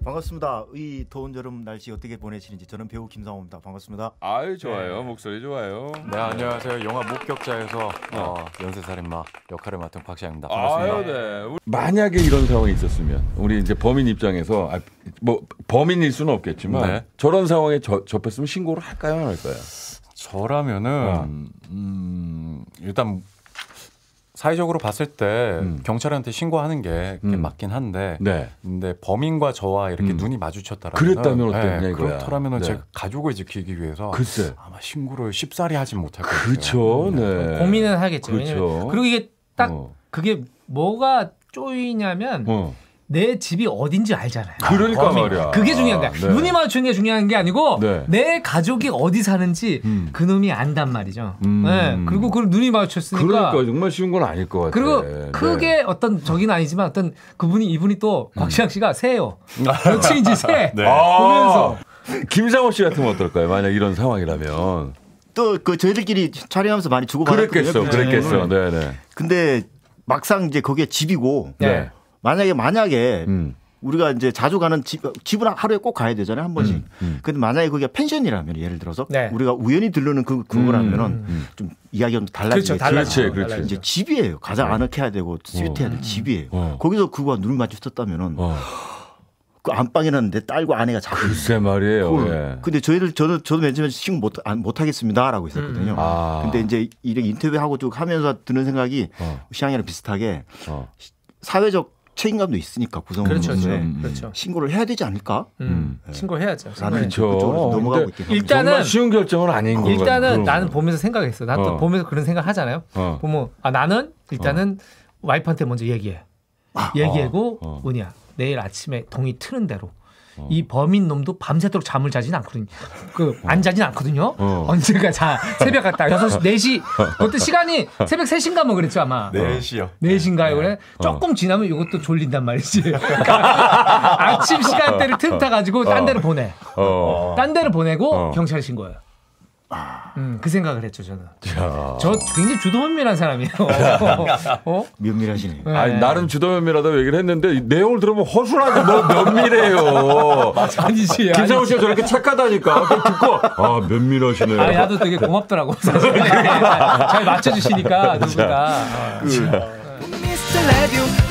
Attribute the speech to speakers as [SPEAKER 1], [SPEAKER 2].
[SPEAKER 1] 반갑습니다. 이 더운 여름 날씨 어떻게 보내시는지 저는 배우 김상호입니다. 반갑습니다.
[SPEAKER 2] 아유 좋아요. 네. 목소리 좋아요.
[SPEAKER 3] 네 안녕하세요. 영화 목격자에서 연쇄살인마 역할을 맡은 박시영입니다. 반갑습니다.
[SPEAKER 2] 아유, 네. 만약에 이런 상황이 있었으면 우리 이제 범인 입장에서 뭐 범인일 수는 없겠지만 네. 저런 상황에 접했으면 신고를 할까요, 안 할까요?
[SPEAKER 3] 저라면은 일단 사회적으로 봤을 때 경찰한테 신고하는 게 맞긴 한데
[SPEAKER 2] 네.
[SPEAKER 3] 근데 범인과 저와 이렇게 눈이 마주쳤다라면
[SPEAKER 2] 그랬다면 어땠냐
[SPEAKER 3] 네,
[SPEAKER 2] 이거야.
[SPEAKER 3] 그렇다면은
[SPEAKER 2] 네.
[SPEAKER 3] 제가 가족을 지키기 위해서
[SPEAKER 2] 글쎄.
[SPEAKER 3] 아마 신고를 쉽사리 하진 못할 것 같아요.
[SPEAKER 2] 그렇죠. 네.
[SPEAKER 4] 고민은 하겠죠.
[SPEAKER 2] 그렇죠.
[SPEAKER 4] 그리고 이게 딱 그게 뭐가 쪼이냐면 내 집이 어딘지 알잖아요.
[SPEAKER 2] 그러니까 말이야.
[SPEAKER 4] 그게 중요한 거야.
[SPEAKER 2] 네.
[SPEAKER 4] 눈이 마주치는 게 중요한 게 아니고
[SPEAKER 2] 네.
[SPEAKER 4] 내 가족이 어디 사는지 그놈이 안단 말이죠. 네. 그리고 그 눈이 마주쳤으니까.
[SPEAKER 2] 그러니까 정말 쉬운 건 아닐 것 같아.
[SPEAKER 4] 그리고 크게 어떤 적인 아니지만 어떤 이분이 또 곽시영 씨가 새요. 며칠인지 새.
[SPEAKER 3] 네.
[SPEAKER 4] 보면서.
[SPEAKER 2] 김상호 씨 같으면 어떨까요? 만약 이런 상황이라면.
[SPEAKER 1] 또 그 저희들끼리 촬영하면서 많이 주고받았거든요.
[SPEAKER 2] 그랬겠어. 네네.
[SPEAKER 1] 근데 막상 이제 거기에 집이고
[SPEAKER 2] 네.
[SPEAKER 1] 만약에 우리가 이제 자주 가는 집은 하루에 꼭 가야 되잖아요, 한 번씩. 근데 만약에 거기가 펜션이라면 예를 들어서
[SPEAKER 4] 네.
[SPEAKER 1] 우리가 우연히 들르는 그거라면은 좀 이야기가 좀 달라지죠.
[SPEAKER 2] 그렇지.
[SPEAKER 1] 이제 집이에요. 가장 아늑해야 되고 스윗해야 될 집이에요. 거기서 그거와 눈을 마주쳤다면은 그 안방에는 내 딸과 아내가 자고
[SPEAKER 2] 글쎄 말이에요. 예.
[SPEAKER 1] 근데 저도 맨 처음에 신고 못 하겠습니다라고 했었거든요. 근데 이제 이렇게 인터뷰하고 쭉 하면서 드는 생각이 시향이랑 비슷하게 사회적 책임감도 있으니까 구성원으로서
[SPEAKER 4] 그렇죠.
[SPEAKER 1] 신고를 해야 되지 않을까?
[SPEAKER 4] 신고해야죠.
[SPEAKER 1] 그렇죠. 넘어가고 있긴 합니다.
[SPEAKER 4] 일단은
[SPEAKER 2] 정말 쉬운 결정은 아닌 거 같아요.
[SPEAKER 4] 일단은 나는 보면서 생각했어. 나도 보면서 그런 생각 하잖아요. 보면 나는 일단은 와이프한테 먼저 얘기하고 뭐냐 내일 아침에 동이 트는 대로 이 범인 놈도 밤새도록 잠을 자진 않거든요. 안 자진 않거든요. 언제가 새벽 갔다 6시, 4시 그때 시간이 새벽 3시인가 뭐 그랬죠 아마.
[SPEAKER 3] 4시요.
[SPEAKER 4] 4시인가요? 그래? 조금 지나면 이것도 졸린단 말이지. 아침 시간대를 틈타가지고 딴 데로 보내. 딴 데로 보내고 경찰에 신고해요. 그 생각을 했죠 저는. 저 굉장히 주도면밀한 사람이에요.
[SPEAKER 1] 면밀하시네요.
[SPEAKER 4] 네.
[SPEAKER 2] 아니, 나름 주도면밀하다고 얘기를 했는데 내용을 들어보면 허술하게 뭐 면밀해요.
[SPEAKER 4] 아니지.
[SPEAKER 2] 김상호 씨가 저렇게 착하다니까. 듣고 면밀하시네요.
[SPEAKER 4] 나도 되게 고맙더라고. 사실. 잘 맞춰주시니까 누구가.